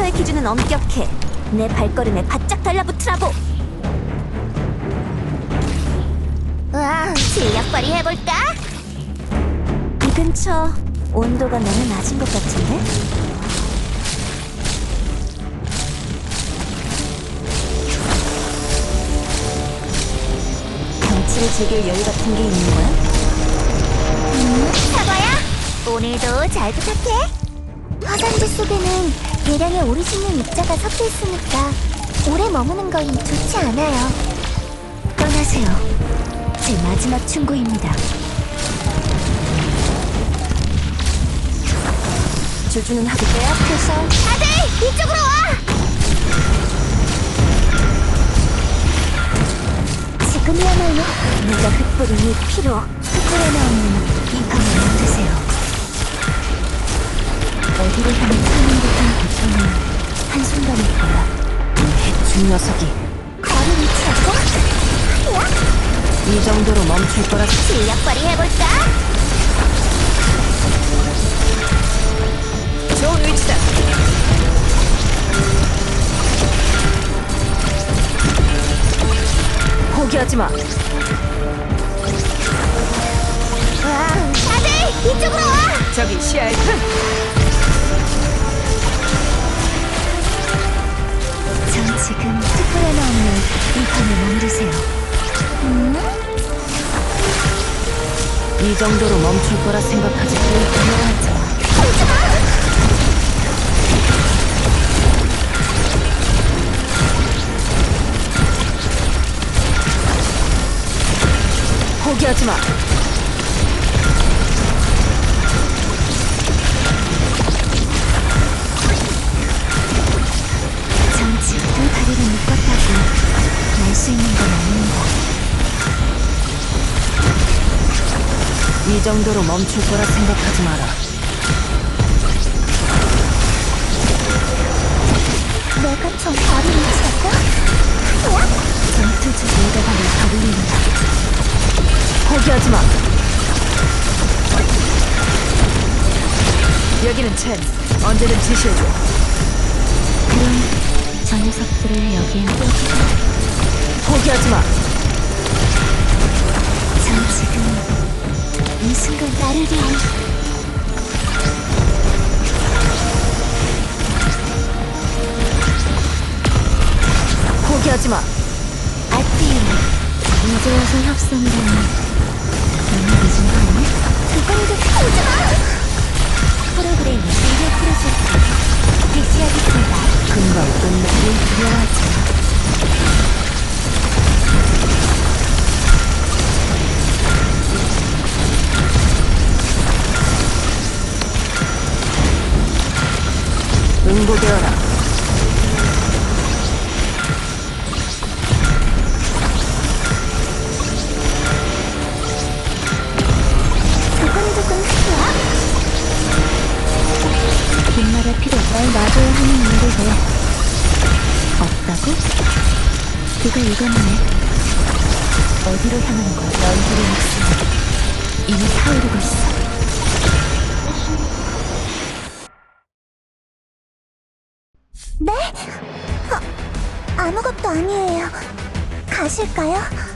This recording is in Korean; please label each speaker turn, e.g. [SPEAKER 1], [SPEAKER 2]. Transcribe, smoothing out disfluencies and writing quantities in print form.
[SPEAKER 1] 컴퓨터의 기준은 엄격해. 내 발걸음에 바짝 달라붙으라고.
[SPEAKER 2] 우와, 실력 발휘해볼까?
[SPEAKER 1] 이 근처 온도가 너무 낮은 것 같은데? 경치를 즐길 여유 같은 게 있는 거야?
[SPEAKER 2] 사과야, 오늘도 잘 부탁해. 화산재 속에는 대량의 오리지널 입자가 섞여 있으니까 오래 머무는 건 좋지 않아요.
[SPEAKER 1] 떠나세요. 제 마지막 충고입니다. 주주는 하고 내 앞에서
[SPEAKER 2] 다들 이쪽으로 와! 지금이야말로
[SPEAKER 1] 내가 흩뿌린 이 피로 흩뿌려나 없는 이 밤을 만드세요. 어디로 향해 타는 듯한 고통은 한순간일 거야. 이 해충 녀석이
[SPEAKER 2] 거리 위치였고? 야,
[SPEAKER 1] 이 정도로 멈출 거라.
[SPEAKER 2] 실력 발휘해볼까?
[SPEAKER 1] 좋은 위치다. 포기하지 마.
[SPEAKER 2] 와, 다들 이쪽으로 와!
[SPEAKER 1] 저기 시야에 전 지금 특별하나 없는 이 밤을 만드세요. 이 정도로 멈출 거라 생각하지 불가능하지. 포기하지 마. 전 지금 다리를 묶었다고 날 수 있는 건 아닙니다. 이 정도로 멈출 거라 생각하지 마라.
[SPEAKER 2] 내가 좀 거리 위치였고? 야,
[SPEAKER 1] 전투 주제에다 발을 가불린다. 포기하지 마. 여기는 첸. 언제든 지시해줘. 그럼 저 녀석들을 여기에 포기하지 마. 전 지금 이 순간
[SPEAKER 2] 나를 위한
[SPEAKER 1] 포기하지 마.
[SPEAKER 2] 아띠.
[SPEAKER 1] 이제 와서 협상이라니 너무 늦은 거 아니야?
[SPEAKER 2] 그건 좀 하지마! 프로그램 미디어 프로젝트 개시하겠습니다.
[SPEAKER 1] 금방 끝나길 두려워하지. 응고되어라.
[SPEAKER 2] 두근두근 하야?
[SPEAKER 1] 긴 말할 필요 날 놔줘야 하는 일인데 없다고? 그가 이거네. 어디로 향하는 거야? 너희들의 목숨이 이미 타오르고 있어.
[SPEAKER 2] 네? 아무것도 아니에요. 가실까요?